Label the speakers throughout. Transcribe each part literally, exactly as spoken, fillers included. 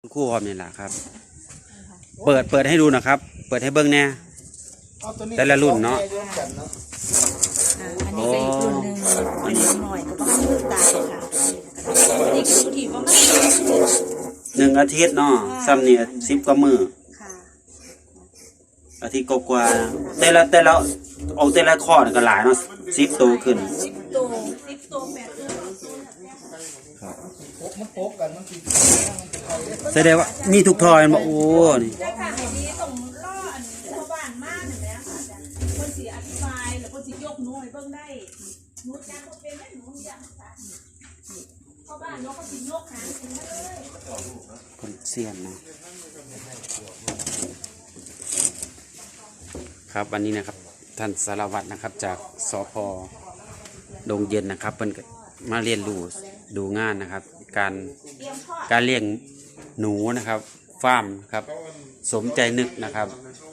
Speaker 1: คู่พร้อมนี่แหละครับเปิดเปิดให้ดูนะครับเปิดให้เบิ้งแน่แต่ละรุ่นเนาะ
Speaker 2: อันนี้ก็อีกรุ่นหนึ่งอันนี้หน่อยก็ประมาณยืดตายค่ะนี่คือที่ประมาณ
Speaker 1: หนึ่งอาทิตย์เนาะซ้ำเนี่ยสิบกว่ามืออาทิตย์กว่าแต่ละแต่ละเอาแต่ละข้อก็หลายเนาะสิบโตขึ้น
Speaker 2: สิบโตสิบโตแปดโต
Speaker 3: มันโป๊กกันมันติด
Speaker 1: แสดงว่ามีทุกทอยมาโอ้นี่
Speaker 2: ใช่ค่ะไอ้นี้ต้องล่ออันชาวบ้านมากหนึ่งแล้วค่ะคนสีอธิบายหรือคนสียกหนูให้เบิ่งได้หนูจ้างเขาเป็นได้หนูอยากชาวบ้านเนาะเขาสียกหางถึงเลย
Speaker 1: คนเสียนนะ ครับวันนี้นะครับท่านสารวัตรนะครับจากสพ.ดงเย็นนะครับเพิ่นมาเรียนรู้ดูงานนะครับการการเลี้ยงหนูนะครับฟาร์มครับสมใจนึกนะครับ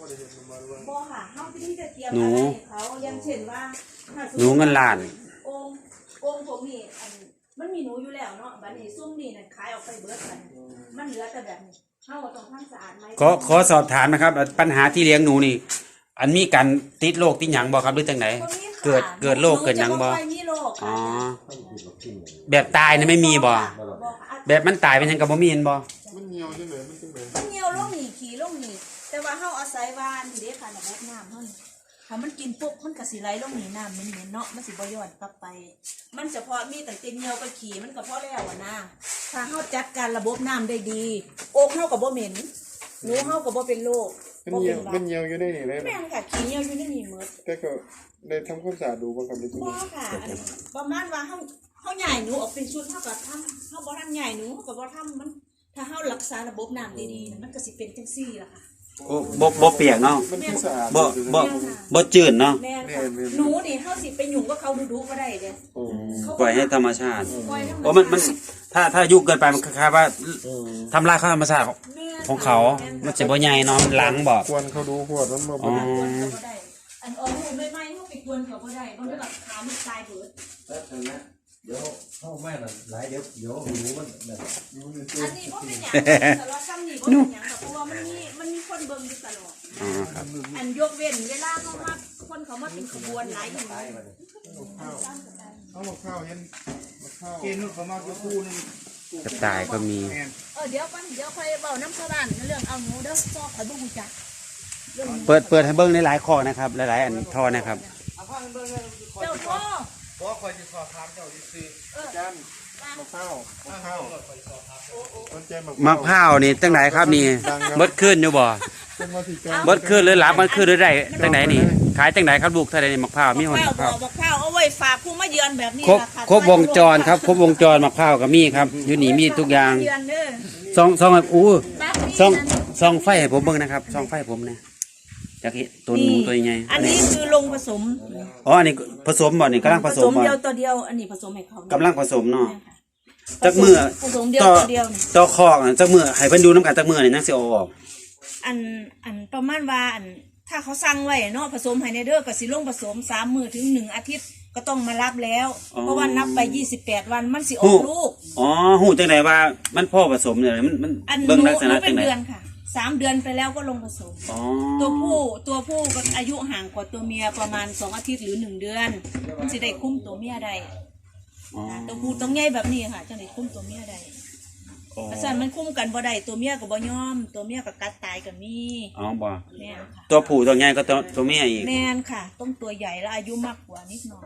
Speaker 1: หนูหนูเงินล้าน
Speaker 2: องค์องค์ผมนี่มันมีหนูอยู่แล้วเนาะบัดนี้ซุ่มนี่น่ะขายออกไปเบิดกันมันเหลือแต่แบบนี้เฮาต้องทำสะอาดไหม
Speaker 1: ขอขอสอบถามนะครับปัญหาที่เลี้ยงหนูนี่อันมีการติดโรคติดหยังบ่ครับหรือจังไหนเกิดเกิดโรคเกิดหยังบ่อ๋อแบบตายนี่ไม่มีบ่แบบมันตายเป็นหยังก็บ่มีเห็นบ่
Speaker 3: มันเหี่ยวจังได๋มันจังได๋
Speaker 2: มันเหี่ยวลงนี่ขี้ลงนี่แต่ว่าเฮาอาศัยวานเด้ค่ะแบบน้ำเฮาถ้ามันกินปุ๊บมันก็สิไหลลงนี่น้ำมันเหม็นเนาะมันสิบ่ย้อนกลับไปมันเฉพาะมีแต่เหี่ยวกับขี้มันก็พอแล้วอ่ะนะถ้าเฮาจัดการระบบน้ำได้ดีโอกเฮาก็บ่เหม็นหนูเฮาก็บ่เป็นโรค
Speaker 3: มันเหี่ยวมันเหี่ยวอยู่ในนี่เลย
Speaker 2: แม่นค่ะขี้เหี่ยวอยู่ในนี่หมด
Speaker 3: แต่ก็ได้ทำความสะอาดดูบ่ครับใน
Speaker 2: ตู้บ่ค่ะประมาณว่าเฮาเฮาใหญ่หนูออกเป็นชุดเฮาก็ทำเฮาบ่ทำใหญ่หนูเฮาก็บ่ทำมันถ้าเฮารักษาระบบน้ำดีๆมันก็สิเป็นจังซี่ล่ะค่ะ
Speaker 1: โอ้บ่บ่เปียกเนาะ
Speaker 3: มันคือสะอาด
Speaker 1: บ่บ่บ่จืดเนาะ
Speaker 2: แม่นค่ะหนูนี่เฮาสิไปยุ่งกับเขาดุๆบ่ได้เด้
Speaker 1: โอ้ปล่อยให้ธรรมชาติโอ้มันมันถ้าถ้ายุ่งเกินไปมันคล้ายๆว่าทำลายธรรมชาติของเขามันสิบ่ใหญ่เนาะมันล้างบ่
Speaker 3: ควรเขาดูขวดมันบ่
Speaker 2: อ๋ออันออกหูใหม่ๆเฮาไปกวนเขาบ่ได้บ่ได้แบบขามันตายเบิด
Speaker 4: แต่นะเดี๋ยวเข้าแม่น่ะหลายเดี๋ยวเดี๋ยวหนูมันแบบ
Speaker 2: อันนี้บ่เป็นหยังแต่ว่าซ้ำนี่บ่เป็นหยังเพราะว่ามันมีมันมีคนเบิ่งอยู่ตลอด
Speaker 1: อ๋อครับ
Speaker 2: อันยกเว้นเวลาเขามาคนเขามาเป็นขบวนหลายอย่าง
Speaker 3: เอาหมกข้าวเห็นหมกข้าวเกณฑ์นู่นเขามาอยู่คู่นึง
Speaker 1: กระต่ายก็มี
Speaker 2: เออเดี๋ยวก่อนเดี๋ยวค่อยเว้าน้ำชาวบ้านเรื่องเอาหนูเด้อซอกข่อยบ่ฮู้จัก
Speaker 1: เปิดเปิดให้เบิ่งในหลายข้อนะครับหลายๆอันท่อนะครับ
Speaker 2: เจ้าพ่อ
Speaker 3: บ่คอยสิสอบถามเจ้าซื่อๆจันมะพร้าวมะพร้าว
Speaker 1: มะพร้าวนี่จังไหนครับนี่เบิดขึ้นอยู่บ่เบิดขึ้นหรือหลับมันขึ้นหรือไรจังไหนนี่ขายจังไหนครับลูกเท่าไรนี่มะพร้าวมีหอน
Speaker 2: มะพร้าวมะพร้าวเอาไว้ฝากผู้มาเยือนแบบนี้
Speaker 1: ครบครบวงจรครับครบวงจรมะพร้าวก็มีครับอยู่นี่มีทุกอย่างซองซองอู้ซองซองไฟให้ผมเบิ่งนะครับซองไฟผมเนี่ยจากตัวหนูตัวใหญ่
Speaker 2: อันนี้คือลงผสม
Speaker 1: อ๋ออันนี้ผสมบ่นี่กำลังผสมบ่
Speaker 2: เดียวตัวเดียวอันนี้ผสมให้เขา
Speaker 1: กำลังผสมเนาะจักมือ
Speaker 2: ผสมเดียวตัวเดียว
Speaker 1: ต่อคอกจักมือให้เพิ่นดูน้ำกันจักมือนี่นักสิเอาออก
Speaker 2: อันอันประมาณว่าอันถ้าเขาสั่งไว้เนาะผสมให้ในเด้อก็สิลงผสมสามมื้อถึงหนึ่งอาทิตย์ก็ต้องมารับแล้วเพราะว่านับไปยี่สิบแปดวันมันสิออกลูก
Speaker 1: อ๋อฮู้จังได๋ว่ามันพ่อผสมเนี่ยมันมัน
Speaker 2: เบิ่งลักษณะจังได๋สามเดือนไปแล้วก็ลงผสมตัวผู้ตัวผู้ก็อายุห่างกว่าตัวเมียประมาณสองอาทิตย์หรือหนึ่งเดือนมันสิได้คุ้มตัวเมียได้ตัวผู้ต้องใหญ่แบบนี้ค่ะจังได้คุ้มตัวเมียได้เพราะฉะนั้นมันคุ้มกันบ่ได้ตัวเมียก็บ่ยอมตัวเมียก็กัดตายก็มี
Speaker 1: อ๋อบ่แม่นค่ะตัวผู้ตัวใหญ่ก็ตัวตัวเมียอีก
Speaker 2: แม่นค่ะต้องตัวใหญ่แล้วอายุมากกว่านิดหน่อย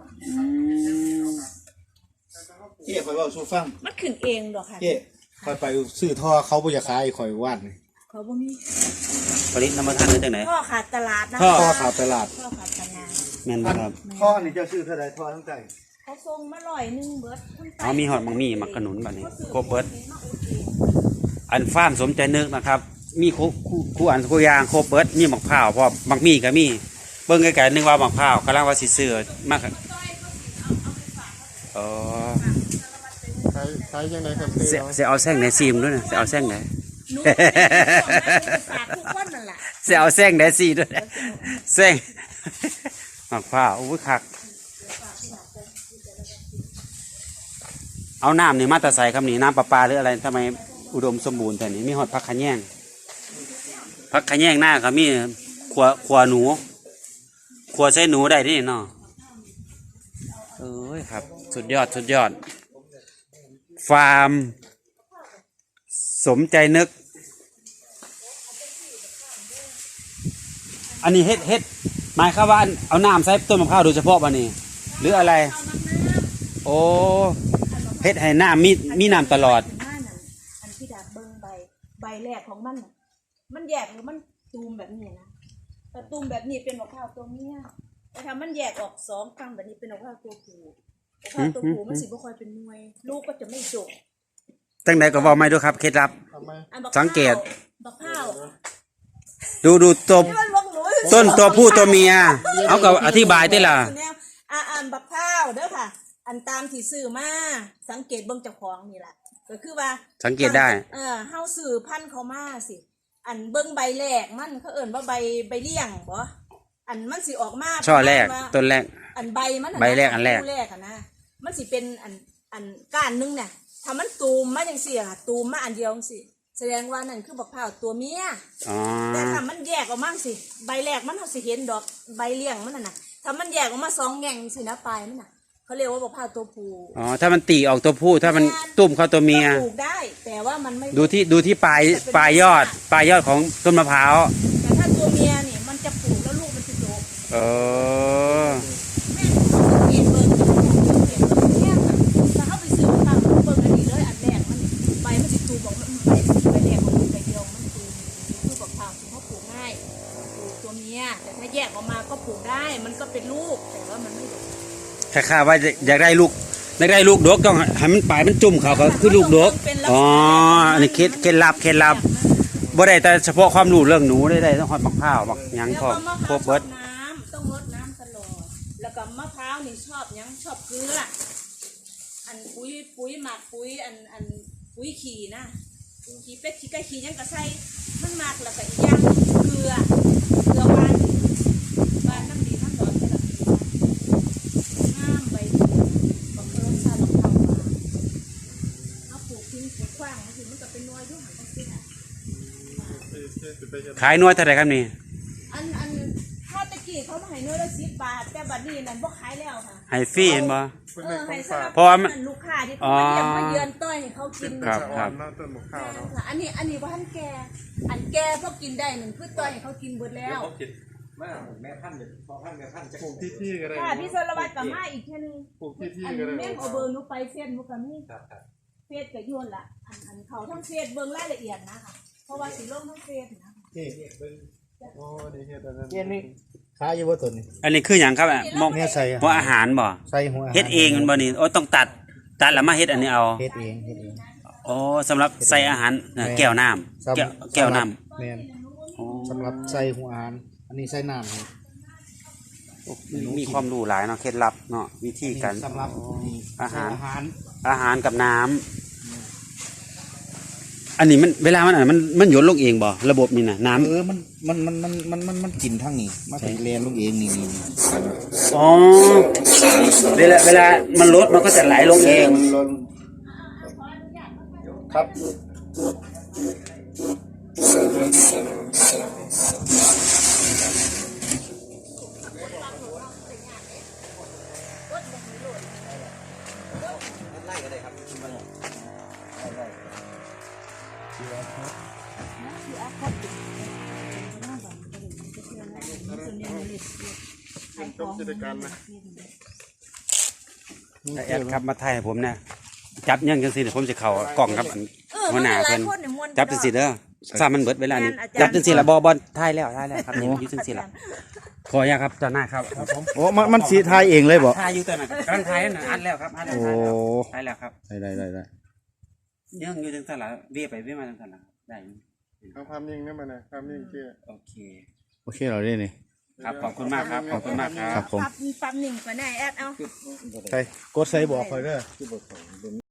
Speaker 3: เจ๊คอยเว้าสู่ฟัง
Speaker 2: มันขึ้นเองดอกค่ะ
Speaker 3: เจ๊คอยไปซื้อท่อเขาบ่อยากขายคอยวาดนี่
Speaker 2: เขาบ่มี
Speaker 1: ผลิตน้ำมันท่านได้จังไหน
Speaker 2: ท่อขาดตลาดนะ
Speaker 3: ท่อขาดตลาด
Speaker 2: ท่อขาดตลาด
Speaker 1: แม่นบ่ครับ
Speaker 3: ท่อนี่เจ้าซื้อเท่าใดท่อทั้งใจ
Speaker 2: เขาส่งมาร้อยนึงเบิด
Speaker 1: อ๋อมีหอดมังมีมักขนุนบัดนี้ครบเบิดอันฟาร์มสมใจนึกนะครับมีคู่คู่อันคู่ยางครบเบิดมีมักพร้าวพร้อมมักมีก็มีเบิ่งไกลๆนึกว่ามักพร้าวกำลังว่าสิซื้อมากอ๋อ
Speaker 3: ใช้ใช้จังได๋ครับ
Speaker 1: สิเอาแซงไหนซีมด้วยนะสิเอาแซงไหนสิเอาแซงไหนซีด้วยแซงมักพร้าวอุ้ยคักเอาน้ำนี่มาตะใส่ครับนี่น้ำประปาหรืออะไรทำไมอุดมสมบูรณ์แต่นี้มีหอดผักขะแยงผักขะแยงหน้าก็มีขัวขัวหนูขัวใช้หนูได้ที่เนาะเอ้ยครับสุดยอดสุดยอดฟาร์มสมใจนึกอันนี้เฮ็ดเฮ็ดหมายความว่าเอาน้ำใส่ต้นมะพร้าวโดยเฉพาะป่ะนี่หรืออะไรโอ้เฮ็ดให้น้ำมีมีน้ำตลอด
Speaker 2: อันที่ดาบเบิ้งใบใบแรกของมันน่ะมันแยกหรือมันตูมแบบนี้นะแต่ตูมแบบนี้เป็นมะพร้าวตัวเมียแต่ถ้ามันแยกออกสองครั้งแบบนี้เป็นมะพร้าวตัวผู้มะพร้าวตัวผู้มันสิบ่ค่อยเป็นหน่วยลูกก็จะไม่จบ
Speaker 1: ตั้งไหนก็บอกไม่ดูครับเคล็ดลับสังเกต
Speaker 2: มะพร้าว
Speaker 1: ดูดูตัวต้นตัวผู้ตัวเมียเอาก็อธิบายได้ล่ะ
Speaker 2: อ่าอ่านบักพร้าวเด้อค่ะอันตามที่ซื้อมาสังเกตเบิ่งเจ้าของนี่แหละก็คือว่า
Speaker 1: สังเกตได้
Speaker 2: เออเฮาซื้อพันธุ์เขามาสิอันเบิ่งใบแรกมันเขาเอิ้นว่าใบใบเลี้ยงบ่อันมันสิออกมา
Speaker 1: ช่อแรกต้นแรก
Speaker 2: อันใบมัน
Speaker 1: ใบแรกอันแรก
Speaker 2: แรกอ่ะนะมันสิเป็นอันอันก้านนึงเนี่ยถ้ามันตูมมาจังซี่อ่ะตูมมาอันเดียวจังซี่แสดงว่านั่นคือบักพร้าวตัวเมียแต่ถ้ามันแยกออกมาสิใบแรกมันเฮาสิเห็นดอกใบเลี้ยงมันน่ะนะถ้ามันแยกออกมาสองแง่งสินะปลายมันน่ะเขาเรียกว่าบักพร้าวตัวผู้
Speaker 1: อ๋อถ้ามันตีออกตัวผู้ถ้ามันตุ่มเข้าตัวเมีย
Speaker 2: ปลูกได้แต่ว่ามันไม่
Speaker 1: ดูที่ดูที่ปลายปลายยอดปลายยอดของต้นมะพร้าว
Speaker 2: แต่ถ้าตัวเมียนี่มันจะปลูกแล้วลูกมันจะโต
Speaker 1: เออ
Speaker 2: แม่สังเกตเบิ่งเนี่ยถ้าเอาไปซื้อมาเบิ่งอันนี้เลยอันแรกมันใบมันสิตูบอกมันใบใบแรกของมันใบเดียวมันตูคือบักพร้าวที่เขาปลูกง่ายปลูกตัวเมียแต่ถ้าแยกออกมาก็ปลูกได้มันก็เป็นลูกแต่ว่ามันไม่
Speaker 1: แค่ข้าว่าอยากได้ลูกอยากได้ลูกดกต้องให้มันปลายมันจุ่มเขาก็คือลูกดกอ๋ออันนี้เคล็ดเคล็ดลับเคล็ดลับบ่ได้แต่เฉพาะความรู้เรื่องหนูได้ได้ต้องหอดมะพร้าวบักยังพอครบเบิด
Speaker 2: น้ำต้องรดน้ำตลอดแล้วก็มะพร้าวนี่ชอบยังชอบเกลืออันปุ๋ยปุ๋ยหมักปุ๋ยอันอันปุ๋ยขี่นะขี่เป็ดขี่ไก่ขี่ยังกระใส่มันหมักแล้วก็อีกอย่างเกลือเกลือวานวานน้ำดีน้ำร้อนก็แบบน้ำใบบักเกลือชาบักเทามาเอาปลูกทิ้งปลูกขว้างมันถึงมันก็เป็นน้อยยุ่งหันต้องเสีย
Speaker 1: ขายน้อยเท่าไหร่ครับนี่
Speaker 2: อันอันข้าวตะกี้เขามาให้น้อยละสิบบาทแต่บัดนี้นั่นบ่ขายแล้วค่ะ
Speaker 1: ให้ฟรีเห็นบ่
Speaker 2: เออให้สำหรับเพราะว่าลูกค้าที่เขามาเยี่ยมมาเยือนต้อยให้เขากิน
Speaker 1: ครับครับ
Speaker 3: ต้นมะพร้าวเนาะ
Speaker 2: อันนี้อันนี้ว่าท่านแกอันแกพวกกินได้หนึ่งคือต้อยให้เขากินหมดแล้ว
Speaker 4: แม่แม่พันธุ์เนี่ยพอพันธุ์แม่พันธุ์จะ
Speaker 3: ปลูกที่ที่ก็ได้
Speaker 2: ค่ะพี่สรวัตรกับมาอีกแค่นึง
Speaker 3: ปลูกที่ที่ก็ได้
Speaker 2: แม่เอาเบอร์นุไปเฟซนุกับนี่เฟซกับยวนละอันอันเขาทั้งเฟซเบิ้งรายละเอียดนะคะเพราะว่าสีลงทั้งเฟซนะ
Speaker 3: นี่โอ้ดีเฮ็ดอันนั้น
Speaker 4: นี่ขายอยู่บ่ต้นนี่
Speaker 1: อันนี้คืออย่างครับมอง
Speaker 3: เนี่ยใส่
Speaker 1: หัวอาหารบ่
Speaker 3: ใส่หัว
Speaker 1: เฮ็ดเองมันบ่นี่โอ้ต้องตัดตัดแล้วมาเฮ็ดอันนี้เอา
Speaker 3: เฮ็ดเองเฮ็ดเอง
Speaker 1: อ๋อสำหรับใส่อาหารแก้วน้ำแก้วแก้วน้
Speaker 3: ำแม่นสำหรับใส่หัวอาหารอันนี้ใส่น้ำ
Speaker 1: มีความรู้หลายเนาะเคล็ดลับเนาะวิธีการ
Speaker 3: สำหรับ
Speaker 1: อาหารอาหารกับน้ำอันนี้มันเวลามันอ่ะมันมันหยดลงเองบ่ระบบนี่นะน้ำ
Speaker 3: เออมันมันมันมันมันมันมันกินทั้งนี้มาถึงเรียนลงเองนี่นี่
Speaker 1: อ๋อเวลาเวลามันลดมันก็จะไหลลงเอง
Speaker 3: ครับ
Speaker 1: แอดครับมาถ่ายให้ผมเนี่ยจับยังจังสิเดี๋ยวผมจะเข้ากล่องครับหัวหน้าเพิ่นจับจังสิเด้อซามันเบิดเวลานี้จับจังสิละบ่บ่ถ่ายแล้วถ่ายแล้วครับนี่อยู่จังสิละขออนุญาตครับเจ้าหน้าครับ
Speaker 3: โอ้มันมันสิถ่ายเองเลยบ่
Speaker 1: ถ่ายอยู่ตัวน่ะกำลังถ่ายน่ะอัดแล้วครับอัดแล้วถ่ายแล้วครับ
Speaker 3: ได้ได้ได้ได้
Speaker 1: ยังอยู่จังซั่นล่ะเวียไปเวียมาจังซั่นล่ะได้
Speaker 3: เอาภาพนิ่งนำมาน่ะภาพนิ่งเชื่อ
Speaker 1: โอเค
Speaker 3: โอเคเราได้นี่
Speaker 1: ครับขอบคุณมากครับขอบคุณมากครับ
Speaker 2: ปั๊บปั๊บหนึ่งก็ได้แอดเอา
Speaker 3: ใส่กดใส่บอกคอยเด้อ